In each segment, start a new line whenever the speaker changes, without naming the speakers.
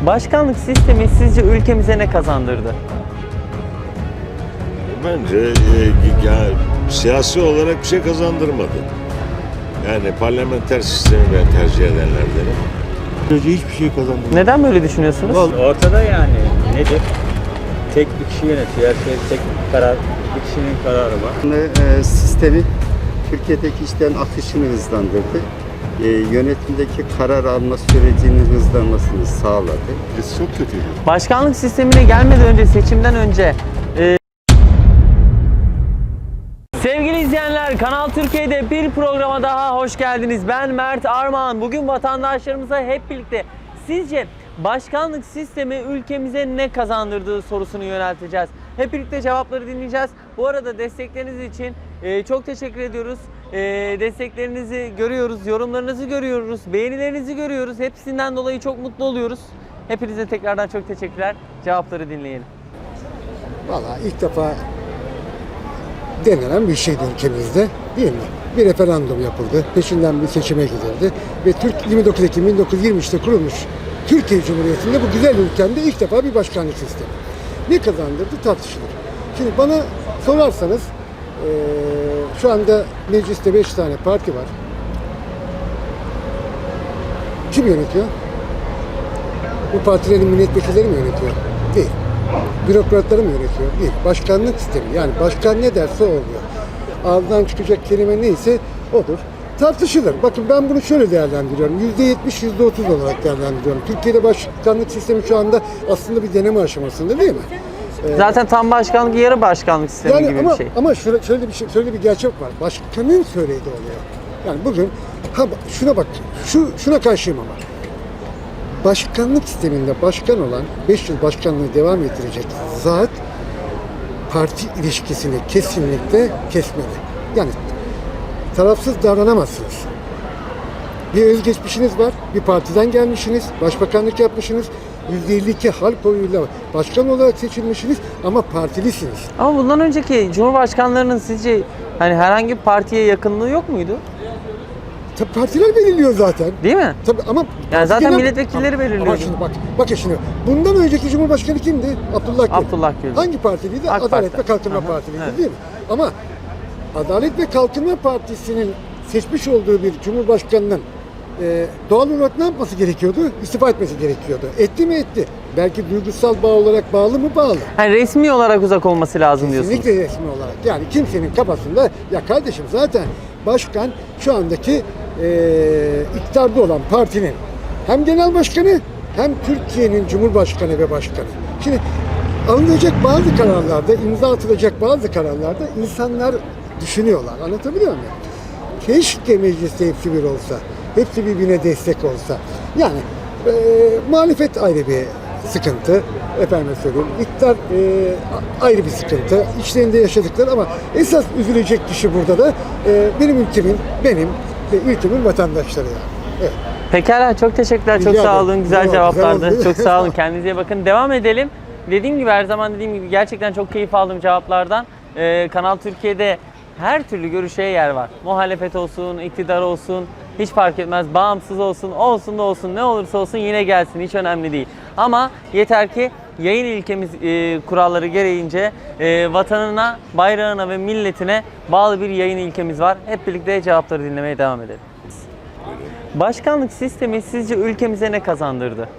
Başkanlık sistemi sizce ülkemize ne kazandırdı?
Bence yani, siyasi olarak bir şey kazandırmadı. Yani parlamenter sistemi ben tercih edenlerdenim.
Böylece hiçbir şey kazandırmadı.
Neden böyle düşünüyorsunuz?
Ortada yani nedir? Tek bir kişi yönetiyor. Her şey tek karar, bir kişinin kararı var.
Sistemi Türkiye'deki işlerin akışını hızlandırdı. Yönetimdeki karar alma sürecinin hızlanmasını sağladı.
Çok kötüydü.
Başkanlık sistemine gelmeden önce, seçimden önce sevgili izleyenler, Kanal Türkiye'de bir programa daha hoş geldiniz. Ben Mert Armağan. Bugün vatandaşlarımıza hep birlikte sizce başkanlık sistemi ülkemize ne kazandırdığı sorusunu yönelteceğiz. Hep birlikte cevapları dinleyeceğiz. Bu arada destekleriniz için çok teşekkür ediyoruz. Desteklerinizi görüyoruz, yorumlarınızı görüyoruz, beğenilerinizi görüyoruz. Hepsinden dolayı çok mutlu oluyoruz. Hepinize tekrardan çok teşekkürler. Cevapları dinleyelim.
Vallahi ilk defa denenen bir şeydi ülkemizde, değil mi? Bir referandum yapıldı, peşinden bir seçime gidildi ve 29 Ekim 1923'te kurulmuş Türkiye Cumhuriyeti'nde bu güzel ülkemde ilk defa bir başkanlık sistemi. Ne kazandırdı tartışılır. Şimdi bana sorarsanız şu anda mecliste 5 tane parti var. Kim yönetiyor? Bu partilerin milletvekilleri mi yönetiyor? Değil. Bürokratları mı yönetiyor? Değil. Başkanlık sistemi. Yani başkan ne derse o oluyor. Ağzından çıkacak kelime neyse odur. Tartışılır. Bakın ben bunu şöyle değerlendiriyorum. %70, %30 olarak değerlendiriyorum. Türkiye'de başkanlık sistemi şu anda aslında bir deneme aşamasında, değil mi?
Zaten tam başkanlık, yarı başkanlık sistemi
Yani
gibi
ama,
bir şey.
ama şöyle bir gerçek var. Başkanın söylediği oluyor. Yani bugün şuna bak. Şuna karşıyım ama. Başkanlık sisteminde başkan olan 5 yıl başkanlığı devam ettirecek zat parti ilişkisini kesinlikle kesmeli. Yani tarafsız davranamazsınız. Bir özgeçmişiniz var, bir partiden gelmişsiniz, başbakanlık yapmışsınız, %52 halk oyuyla başkan olarak seçilmişsiniz ama partilisiniz.
Ama bundan önceki cumhurbaşkanlarının sizce hani herhangi bir partiye yakınlığı yok muydu?
Tabii partiler belirliyor zaten.
Değil mi?
Tabii ama
Yani zaten
genel-
milletvekilleri belirliyor.
Ama şimdi bak şimdi. Bundan önceki Cumhurbaşkanı kimdi? Abdullah Gül.
Abdullah Gül.
Hangi partiliydi?
AK
Adalet
Parti.
ve Kalkınma
Aha,
Partiliydi,
evet.
değil mi? Ama Adalet ve Kalkınma Partisi'nin seçmiş olduğu bir Cumhurbaşkanının doğal olarak ne yapması gerekiyordu? İstifa etmesi gerekiyordu. Etti mi? Etti. Belki duygusal bağ olarak bağlı mı? Bağlı.
Yani resmi olarak uzak olması lazım diyorsunuz.
Kesinlikle resmi olarak. Yani kimsenin kafasında ya kardeşim zaten başkan şu andaki iktidarda olan partinin hem genel başkanı hem Türkiye'nin cumhurbaşkanı ve başkanı. Şimdi alınacak bazı kararlarda, imza atılacak bazı kararlarda insanlar düşünüyorlar. Anlatabiliyor muyum? Keşke mecliste hepsi bir olsa. Hepsi birbirine destek olsa. Yani muhalefet ayrı bir sıkıntı. Efendim söyleyeyim. İktidar ayrı bir sıkıntı. İçlerinde yaşadıkları ama esas üzülecek kişi burada da benim ülkemin, benim ve ülkemin vatandaşları yani. Evet.
Pekala, çok teşekkürler. Çok
Rica
sağ
ederim.
olun. Güzel
Güzel
cevaplardı.
oldu.
Çok sağ olun. Kendinize iyi bakın. Devam edelim. Dediğim gibi, her zaman dediğim gibi, gerçekten çok keyif aldım cevaplardan. Kanal Türkiye'de her türlü görüşe yer var. Muhalefet olsun, iktidar olsun, hiç fark etmez. Bağımsız olsun, olsun da olsun, ne olursa olsun yine gelsin. Hiç önemli değil. Ama yeter ki yayın ilkemiz kuralları gereğince vatanına, bayrağına ve milletine bağlı bir yayın ilkemiz var. Hep birlikte cevapları dinlemeye devam edelim. Başkanlık sistemi sizce ülkemize ne kazandırdı?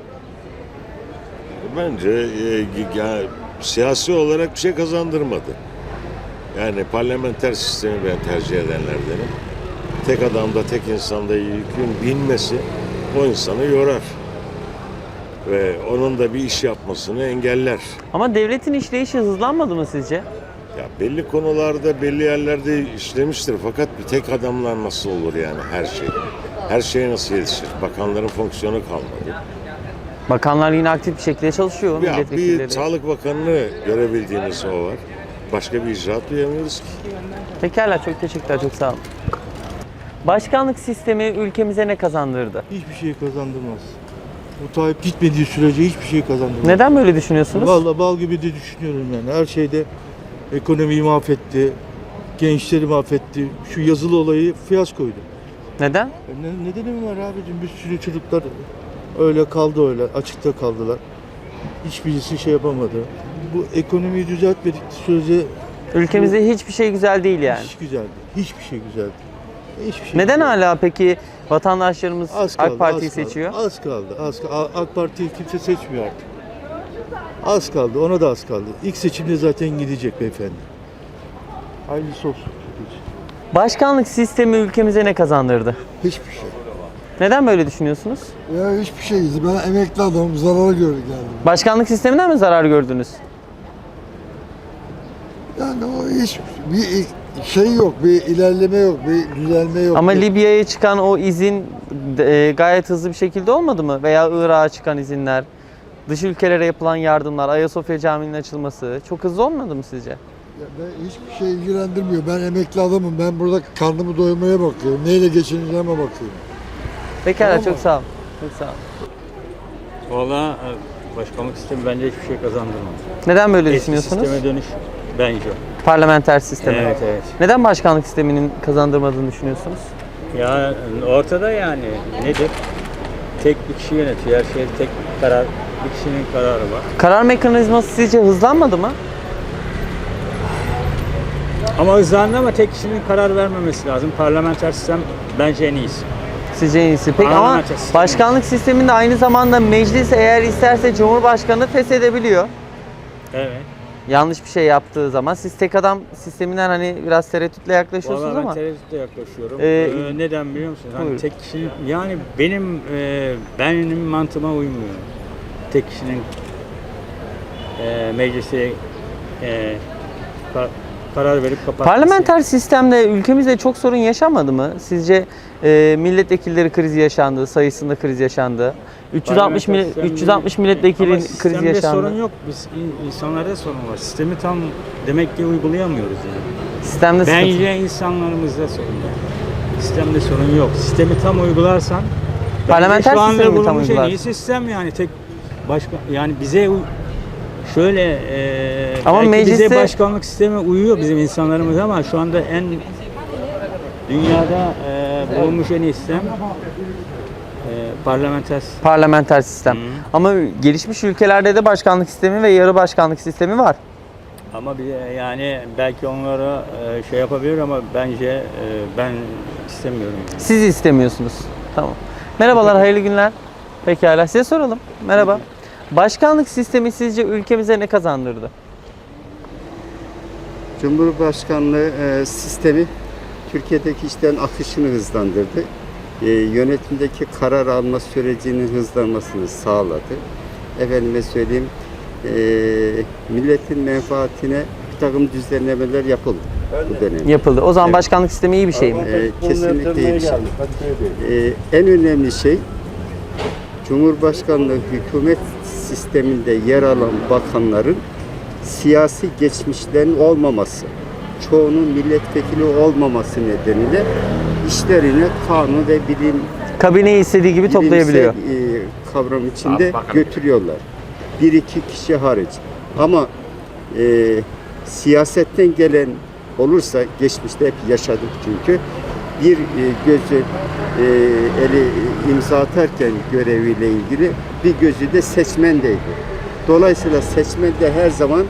Bence yani, siyasi olarak bir şey kazandırmadı. Yani parlamenter sistemi ben tercih edenlerdenim. Tek adamda, tek insanda yükün binmesi o insanı yorar. Ve onun da bir iş yapmasını engeller.
Ama devletin işleyişi hızlanmadı mı sizce?
Ya belli konularda, belli yerlerde işlemiştir. Fakat bir tek adamlar nasıl olur yani her şey? Her şeye nasıl yetişir? Bakanların fonksiyonu kalmadı.
Bakanlar yine aktif bir şekilde çalışıyor.
Ya
Milletvekilleri.
bir Sağlık Bakanı'nı görebildiğimiz o var. Başka bir icraat duyamıyoruz ki.
Pekala, çok teşekkürler. Çok sağ olun. Başkanlık sistemi ülkemize ne kazandırdı?
Hiçbir şey kazandırmaz. Bu Tayyip gitmediği sürece hiçbir şey kazandırmaz.
Neden böyle düşünüyorsunuz?
Vallahi bal gibi de düşünüyorum yani. Her şeyde ekonomiyi mahvetti, gençleri mahvetti. Şu yazılı olayı fiyaskoydu.
Neden?
Nedeni mi var abicim? Bir sürü çocuklar Öyle kaldı öyle. Açıkta kaldılar. Hiçbirisi şey yapamadı. Bu ekonomiyi düzeltmedik sürece
Ülkemizde hiçbir şey güzel değil yani.
hiç güzeldi. Hiçbir şey güzeldi. Hiçbir şey
Neden
güzeldi.
hala peki vatandaşlarımız
Az kaldı,
AK Parti'yi
az kaldı.
seçiyor?
Az kaldı. AK Parti'yi kimse seçmiyor artık. Az kaldı. Ona da az kaldı. İlk seçimde zaten gidecek beyefendi. Hayırlısı olsun.
Başkanlık sistemi ülkemize ne kazandırdı?
Hiçbir şey.
Neden böyle düşünüyorsunuz?
Ya hiçbir şey. Ben emekli adamım. Zarara göre geldim.
Başkanlık sisteminden mi zarar gördünüz?
Yani o hiç bir şey yok, bir ilerleme yok, bir düzelme yok.
Ama Libya'ya çıkan o izin gayet hızlı bir şekilde olmadı mı? Veya Irak'a çıkan izinler, dış ülkelere yapılan yardımlar, Ayasofya Camii'nin açılması çok hızlı olmadı mı sizce?
Ya ben hiçbir şey ilgilendirmiyor. Ben emekli adamım. Ben burada karnımı doyurmaya bakıyorum. Neyle geçineceğime bakıyorum.
Pekala,
Tamam
çok
mı?
sağ olun. Çok sağ olun.
Valla başkanlık sistemi bence hiçbir şey kazandırmadı.
Neden böyle
Eski
düşünüyorsunuz?
sisteme dönüş bence.
Parlamenter sistemi.
Evet, evet.
Neden başkanlık sisteminin kazandırmadığını düşünüyorsunuz?
Ya ortada yani nedir? Tek bir kişi yönetiyor. Her şey tek karar, bir kişinin kararı var.
Karar mekanizması sizce hızlanmadı mı?
Ama hızlandı ama tek kişinin karar vermemesi lazım. Parlamenter sistem bence en iyisi.
Sizce en iyisi. Peki ama
Parlamenter sistemi.
başkanlık sisteminde aynı zamanda meclis eğer isterse Cumhurbaşkanı feshedebiliyor.
Evet.
Yanlış bir şey yaptığı zaman siz tek adam sisteminden hani biraz tereddütle yaklaşıyorsunuz
Vallahi ben
ama
tereddütle yaklaşıyorum. Neden biliyor musun? Hani
buyurun.
tek kişinin yani benim mantığıma uymuyor. Tek kişinin meclise karar verip kapatması.
parlamenter sistemde ülkemizde çok sorun yaşanmadı mı? Sizce milletvekilleri krizi yaşandı, sayısında kriz yaşandı. 360 milletvekili
Ama
krizi
sistemde
yaşandı.
sorun yok. Biz insanlarda sorun var. Sistemi tam demek ki uygulayamıyoruz yani.
Sistemde sıkıntı.
Bence insanlarımızda sorun var. Sistemde sorun yok. Sistemi tam uygularsan
Parlamenter
şu anda
sistemi mi tam
bulunmuş en iyi
uygularsın?
sistem yani tek başka yani bize şöyle
Ama
belki
mecliste-
bize başkanlık sistemi uyuyor bizim insanlarımız ama şu anda en dünyada bulunmuş en iyi sistem parlamenter sistem.
Parlamenter sistem.
Hı.
Ama gelişmiş ülkelerde de başkanlık sistemi ve yarı başkanlık sistemi var.
Ama bir yani belki onlara şey yapabilir ama bence ben istemiyorum. Yani.
Siz istemiyorsunuz. Tamam. Merhabalar, hayırlı günler. Pekala, size soralım. Merhaba. Başkanlık sistemi sizce ülkemize ne kazandırdı?
Cumhurbaşkanlığı sistemi Türkiye'deki işlerin akışını hızlandırdı. Yönetimdeki karar alma sürecinin hızlanmasını sağladı. Efendime söyleyeyim, milletin menfaatine bir takım düzenlemeler yapıldı bu dönemde.
Yapıldı. O zaman
Evet.
başkanlık sistemi iyi bir şey mi?
Kesinlikle iyi bir şey. En önemli şey, Cumhurbaşkanlığı hükümet sisteminde yer alan bakanların siyasi geçmişlerin olmaması, çoğunun milletvekili olmaması nedeniyle işlerini kanun ve
Kabineyi istediği gibi toplayabiliyor.
bilimsel kavram içinde götürüyorlar. Bir iki kişi hariç. Ama siyasetten gelen olursa, geçmişte hep yaşadık çünkü, bir gözü eli imza atarken göreviyle ilgili, bir gözü de seçmendeydi. Dolayısıyla seçmen de her zaman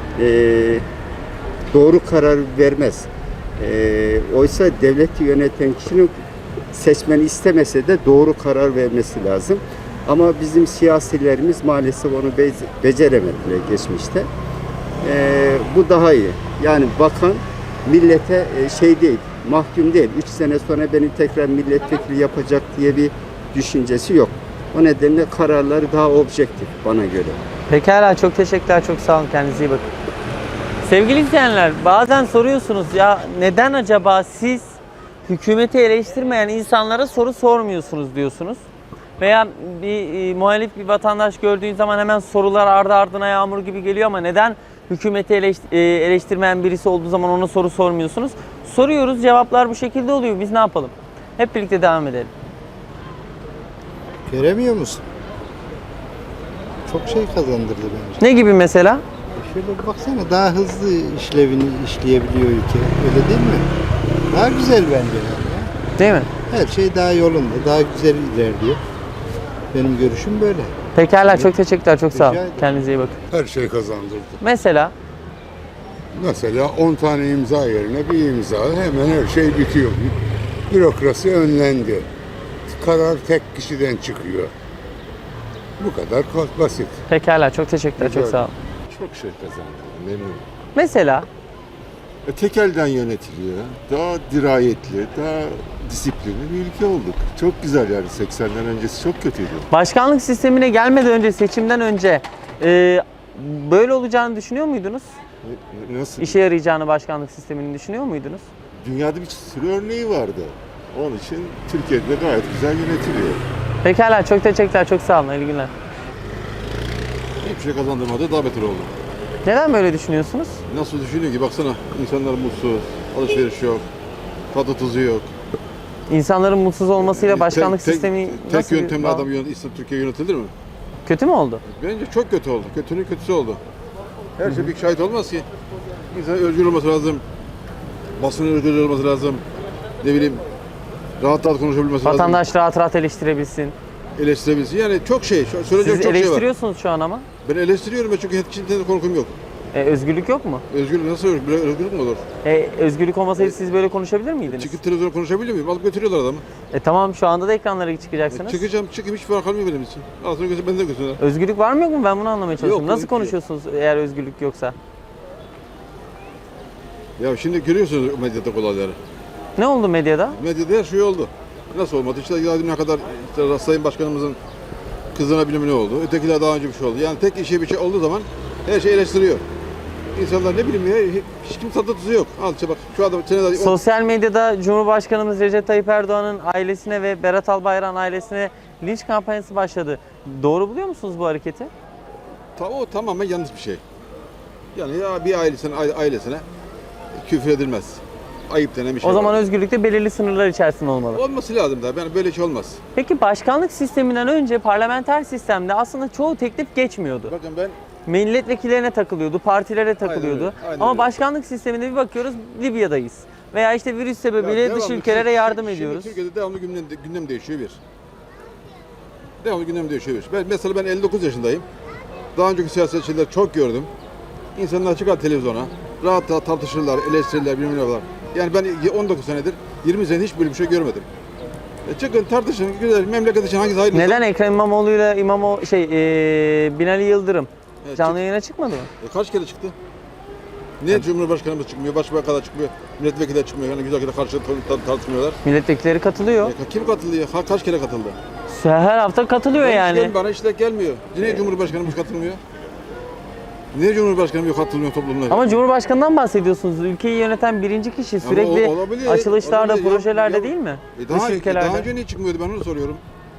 doğru karar vermez. Oysa devleti yöneten kişinin seçmeni istemese de doğru karar vermesi lazım. Ama bizim siyasilerimiz maalesef onu beceremediler geçmişte. Bu daha iyi. Yani bakan millete şey değil, mahkum değil. 3 sene sonra beni tekrar milletvekili yapacak diye bir düşüncesi yok. O nedenle kararları daha objektif bana göre.
Pekala, çok teşekkürler, çok sağ olun, kendinize iyi bakın. Sevgili izleyenler, bazen soruyorsunuz ya neden acaba siz hükümeti eleştirmeyen insanlara soru sormuyorsunuz diyorsunuz. Veya bir muhalif bir vatandaş gördüğün zaman hemen sorular ardı ardına yağmur gibi geliyor ama neden hükümeti eleştirmeyen birisi olduğu zaman ona soru sormuyorsunuz? Soruyoruz, cevaplar bu şekilde oluyor. Biz ne yapalım? Hep birlikte devam edelim.
Göremiyor musun? Çok şey kazandırdı bence.
Ne gibi mesela?
Şöyle bir baksana, daha hızlı işlevini işleyebiliyor ülke. Öyle değil mi? Daha güzel bence yani.
Değil mi?
Her şey daha yolunda, daha güzel ilerliyor. Benim görüşüm böyle.
Pekala, çok teşekkürler, çok sağ olun.
Rica ederim.
Kendinize iyi bakın.
Her şey kazandırdı.
Mesela
Mesela 10 tane imza yerine bir imza hemen her şey bitiyor. Bürokrasi önlendi. Karar tek kişiden çıkıyor. Bu kadar basit.
pekala, çok teşekkürler, çok
Rica
sağ olun.
Çok şey kazandı. Memnunum.
Mesela
Tek elden yönetiliyor. Daha dirayetli, daha disiplinli bir ülke olduk. Çok güzel yani 80'den öncesi çok kötüydü.
başkanlık sistemine gelmeden önce, seçimden önce böyle olacağını düşünüyor muydunuz?
Nasıl?
İşe yarayacağını başkanlık sistemini düşünüyor muydunuz?
Dünyada bir sürü örneği vardı. Onun için Türkiye'de gayet güzel yönetiliyor.
Pekala, çok teşekkürler, çok sağ olun, iyi günler.
Hiçbir şey kazandırmadı, daha beter oldu.
Neden böyle düşünüyorsunuz?
Nasıl düşünüyor ki? Baksana, insanlar mutsuz, alışveriş yok, tadı tuzu yok.
İnsanların mutsuz olmasıyla başkanlık sistemi
Tek
nasıl bir
yöntemle
bağ-
adam Türkiye yönetilir mi?
Kötü mü oldu?
Bence çok kötü oldu. Kötünün kötüsü oldu. Her şey bir şahit olmaz ki. İnsan özgür olması lazım. Basının özgür olması lazım. Ne bileyim, rahat rahat konuşabilmesi lazım.
Vatandaş rahat rahat eleştirebilsin.
Eleştirebilsin. Yani çok şey, söyleyecek
Siz
çok şey var.
eleştiriyorsunuz şu an ama.
Ben eleştiriyorum çünkü hiç kimsenin korkum yok.
Özgürlük yok mu?
Özgürlük nasıl olur? Böyle özgürlük mü olur?
Özgürlük olmasaydı siz böyle konuşabilir miydiniz?
Çıkıp televizyona konuşabiliyor muyum? Alıp götürüyorlar adamı.
Tamam, şu anda da ekranlara çıkacaksınız.
Çıkayım hiç fark kalmıyor benim için. Aslında gözü bende gözüne.
Özgürlük var mı yok mu? Ben bunu anlamaya çalışıyorum.
Yok,
Nasıl
yok ki.
konuşuyorsunuz eğer özgürlük yoksa?
Ya şimdi görüyorsunuz medyada olayları.
Ne oldu medyada?
Medyada her şey oldu. Nasıl olmadı? İşte ne kadar işte Sayın Başkanımızın kızına bilmem ne oldu. Ötekiler daha önce bir şey oldu. Yani tek işe bir şey olduğu zaman her şey eleştiriyor. İnsanlar ne bileyim ya hiç kimse tadı tuzu yok. Al işte bak şu adam senede
Sosyal medyada Cumhurbaşkanımız Recep Tayyip Erdoğan'ın ailesine ve Berat Albayrak'ın ailesine linç kampanyası başladı. Doğru buluyor musunuz bu hareketi?
o tamamen yanlış bir şey. Yani ya bir ailesine küfür edilmez. Ayıp denen bir şey
O zaman
var.
özgürlükte belirli sınırlar içerisinde olmalı.
Olması lazım da. Yani böyle şey olmaz.
Peki başkanlık sisteminden önce parlamenter sistemde aslında çoğu teklif geçmiyordu.
Bakın ben
Milletvekillerine takılıyordu, partilere takılıyordu.
öyle, aynen
Ama
öyle.
başkanlık sisteminde bir bakıyoruz Libya'dayız. Veya işte virüs sebebiyle dış ülkelere yardım ediyoruz.
Türkiye'de devamlı gündem değişiyor bir. Devamlı gündem değişiyor bir. Mesela ben 59 yaşındayım. Daha önceki siyasetçileri çok gördüm. İnsanlar çıkar televizyona. Rahat rahat tartışırlar, eleştirirler, bilmem ne yapar. Yani ben 19 senedir, 20 senedir hiç böyle bir şey görmedim. Çıkın tartışın, güzel memleket için hangisi hayırlısı?
Neden Ekrem İmamoğlu'yla Binali Yıldırım canlı yayına çıkmadı mı?
Kaç kere çıktı? Niye Cumhurbaşkanımız çıkmıyor, Başbakanlar çıkmıyor, milletvekiller çıkmıyor, yani güzel karşı tartışmıyorlar.
Milletvekilleri katılıyor.
Kim katılıyor? Kaç kere katıldı?
Her hafta katılıyor yani.
Bana işte gelmiyor. Niye Cumhurbaşkanımız katılmıyor? Niye Cumhurbaşkanımız katılmıyor toplumuna?
Ama Cumhurbaşkanından bahsediyorsunuz. Ülkeyi yöneten birinci kişi sürekli
olabilir,
açılışlarda,
olabilir.
projelerde
Ya,
değil mi?
Daha
Dış ülkelerde.
önce niye çıkmıyordu ben onu soruyorum.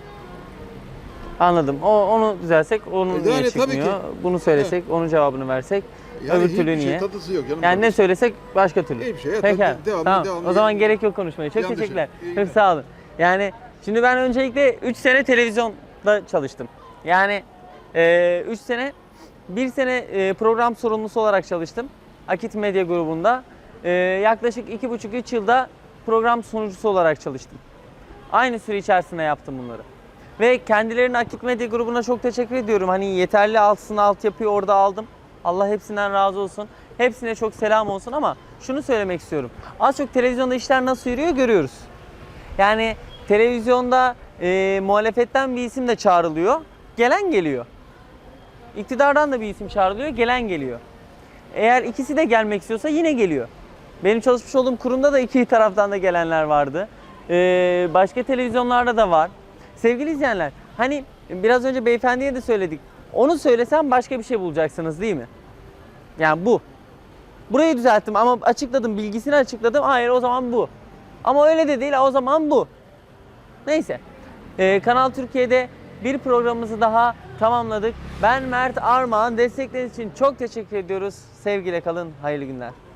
Anladım. Onu düzelsek, onu
Yani
niye
tabii
çıkmıyor?
ki.
Bunu söylesek, onun cevabını versek.
Yani
Öbür türlü
hiçbir
niye?
şey tadısı yok.
Yani ne söylesek başka türlü.
Hiçbir şey, evet,
Pekala.
devamlı,
Tamam.
devamlı.
O zaman gerek yok konuşmaya. Çok
Yanlış.
teşekkürler.
İyi
Çok
günler.
sağ olun. Yani şimdi ben öncelikle 3 sene televizyonda çalıştım. Yani 3 sene, 1 sene program sorumlusu olarak çalıştım. Akit Medya grubunda. Yaklaşık 2,5-3 yılda program sunucusu olarak çalıştım. Aynı süre içerisinde yaptım bunları. Ve kendilerine Akit Medya grubuna çok teşekkür ediyorum. Hani yeterli altyapıyı orada aldım. Allah hepsinden razı olsun. Hepsine çok selam olsun ama şunu söylemek istiyorum. Az çok televizyonda işler nasıl yürüyor görüyoruz. Yani televizyonda muhalefetten bir isim de çağrılıyor. Gelen geliyor. İktidardan da bir isim çağrılıyor. Gelen geliyor. Eğer ikisi de gelmek istiyorsa yine geliyor. Benim çalışmış olduğum kurumda da iki taraftan da gelenler vardı. Başka televizyonlarda da var. Sevgili izleyenler, hani biraz önce beyefendiye de söyledik. Onu söylesem başka bir şey bulacaksınız değil mi? Yani bu. Burayı düzelttim ama açıkladım, bilgisini açıkladım. Hayır, o zaman bu. Ama öyle de değil, o zaman bu. Neyse. Kanal Türkiye'de bir programımızı daha tamamladık. Ben Mert Armağan. Destekleriniz için çok teşekkür ediyoruz. Sevgiyle kalın, hayırlı günler.